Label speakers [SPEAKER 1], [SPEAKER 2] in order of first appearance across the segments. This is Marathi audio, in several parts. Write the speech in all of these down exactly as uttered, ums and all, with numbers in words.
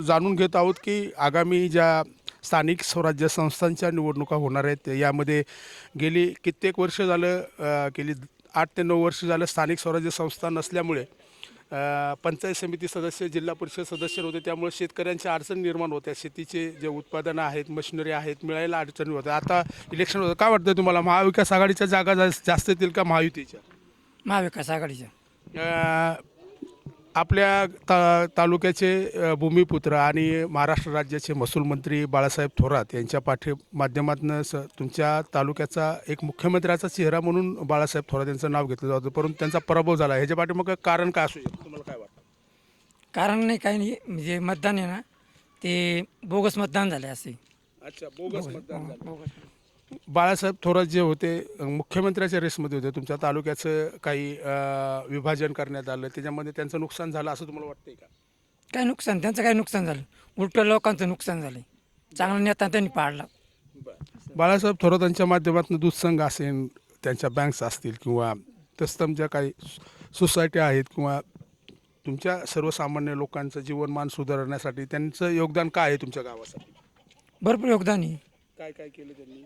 [SPEAKER 1] जाणून घेत आहोत की आगामी ज्या स्थानिक स्वराज्य संस्थांच्या निवडणुका होणार आहेत यामध्ये गेली कित्येक वर्ष झालं अ, गेली आठ ते नऊ वर्ष झालं स्थानिक स्वराज्य संस्था नसल्यामुळे अ, पंचायत समिती सदस्य जिल्हा परिषद सदस्य होते, त्यामुळे शेतकऱ्यांच्या अडचण निर्माण होत्या. शेतीचे जे उत्पादनं आहेत, मशिनरी आहेत, मिळायला अडचणी होत्या. आता इलेक्शन होतं, काय वाटतं तुम्हाला महाविकास आघाडीच्या जागा जास- जास्त येतील का महायुतीच्या?
[SPEAKER 2] महाविकास आघाडीच्या.
[SPEAKER 1] अ, आपल्या ता तालुक्याचे अ, भूमिपुत्र आणि महाराष्ट्र राज्याचे महसूल मंत्री बाळासाहेब थोरात यांच्या पाठी माध्यमातून स तुमच्या तालुक्याचा एक मुख्यमंत्र्याचा चेहरा म्हणून बाळासाहेब थोरात यांचं नाव घेतलं जातं, परंतु त्यांचा पराभव झाला. ह्याच्या पाठीमागं कारण काय असू शकतं, तुम्हाला काय वाटतं?
[SPEAKER 2] कारण नाही काही नाही, म्हणजे मतदान आहे ना ते बोगस मतदान झाले असे.
[SPEAKER 1] अच्छा, बोगस मतदान झालं.
[SPEAKER 2] बोगस.
[SPEAKER 1] बाळासाहेब थोरात जे होते अ, मुख्यमंत्र्याच्या रेसमध्ये होते, तुमच्या तालुक्याचं काही अ, विभाजन करण्यात आलं, त्याच्यामध्ये त्यांचं नुकसान झालं असं तुम्हाला वाटतंय का?
[SPEAKER 2] काय नुकसान त्यांचं काय नुकसान झालं, उलटं लोकांचं नुकसान झालं. चांगला नेता त्यांनी पाडला.
[SPEAKER 1] बाळासाहेब थोरातांच्या माध्यमातून दूध संघ असेल, त्यांच्या बँक्स असतील किंवा तत्समच्या काही सोसायटी आहेत किंवा तुमच्या सर्वसामान्य लोकांचं जीवनमान सुधारण्यासाठी त्यांचं योगदान काय आहे तुमच्या गावासाठी?
[SPEAKER 2] भरपूर योगदान आहे.
[SPEAKER 1] काय काय केलं त्यांनी?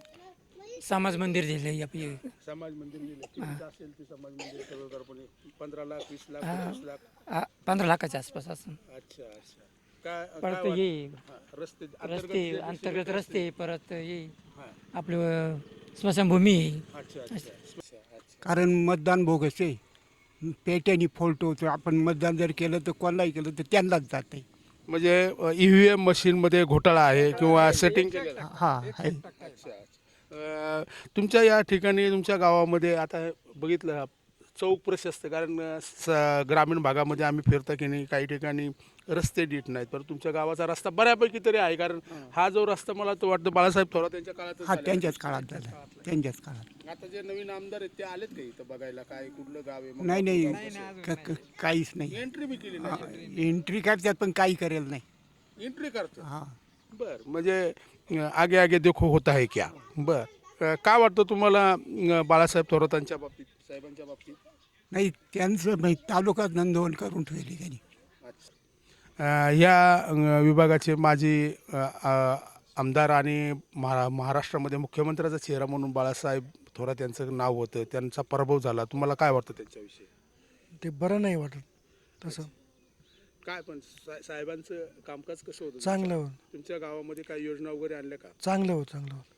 [SPEAKER 2] समाज मंदिर दिले आपली.
[SPEAKER 1] समाज मंदिर गेले, कितीचं असेल ते समाज मंदिर सर्वसाधारणपणे? पंधरा लाख, वीस लाख, पंचवीस लाख?
[SPEAKER 2] आ, पंधरा लाखाच्या आसपास असं.
[SPEAKER 1] अच्छा अच्छा. काय काय
[SPEAKER 2] परत
[SPEAKER 1] वाट-
[SPEAKER 2] ये
[SPEAKER 1] हा, रस्ते
[SPEAKER 2] रस्ते अंतर्गत रस्ते, परत ये
[SPEAKER 1] हा.
[SPEAKER 2] आपलं स्मशानभूमी आहे.
[SPEAKER 1] अच्छा अच्छा अच्छा अच्छा.
[SPEAKER 3] कारण मतदान बोगस आहे. पेट्यानी फोल्ट होतो. आपण मतदान जर केलं तर कोणालाही केलं तर त्यांनाच जाते.
[SPEAKER 1] म्हणजे ई व्ही एम मशीनमध्ये घोटाळा आहे किंवा सेटिंग केलेलं आहे?
[SPEAKER 3] हा आहे.
[SPEAKER 1] अच्छा अच्छा. अ, तुमच्या या ठिकाणी तुमच्या गावामध्ये आता बघितलं चौक प्रशस्त, कारण अ, स ग्रामीण भागामध्ये आम्ही फिरता की नाही, काही ठिकाणी रस्ते नीट नाहीत, पण तुमच्या गावाचा रस्ता बऱ्यापैकी तरी आहे. कारण हा जो रस्ता मला तो वाटतं बाळासाहेब थोरात यांच्या काळात
[SPEAKER 3] हा त्यांच्याच काळात झाला. त्यांच्याच काळात.
[SPEAKER 1] आता जे नवीन आमदार आहेत ते आलेत का इथं बघायला, काय कुठलं गाव आहे?
[SPEAKER 3] नाही नाही क- क- काहीच नाही.
[SPEAKER 1] एंट्री बी केली नाही.
[SPEAKER 3] एंट्री करतात पण काही करेल नाही.
[SPEAKER 1] एंट्री करतो.
[SPEAKER 3] हा
[SPEAKER 1] बर, म्हणजे अ, आगे आगे देखो होता है क्या? बर, अ, काय वाटतं तुम्हाला अ, बाळासाहेब थोरातांच्या बाबतीत, साहेबांच्या बाबतीत?
[SPEAKER 3] नाही त्यांचं नाही, तालुका नोंदवण करून ठेवली त्यांनी.
[SPEAKER 1] अ, या अ, विभागाचे माजी अ, अ, आमदार आणि महा महाराष्ट्रामध्ये मुख्यमंत्र्याचा चेहरा म्हणून बाळासाहेब थोरात यांचं नाव होतं, त्यांचा पराभव झाला. तुम्हाला काय वाटतं त्यांच्याविषयी?
[SPEAKER 4] ते बरं नाही वाटत तसं.
[SPEAKER 1] काय पण सा- साहेबांचं कामकाज कसं होतं?
[SPEAKER 4] चांगलं हो
[SPEAKER 1] तुमच्या गावामध्ये काही योजना वगैरे आणल्या का?
[SPEAKER 4] चांगलं हो चांगलं हो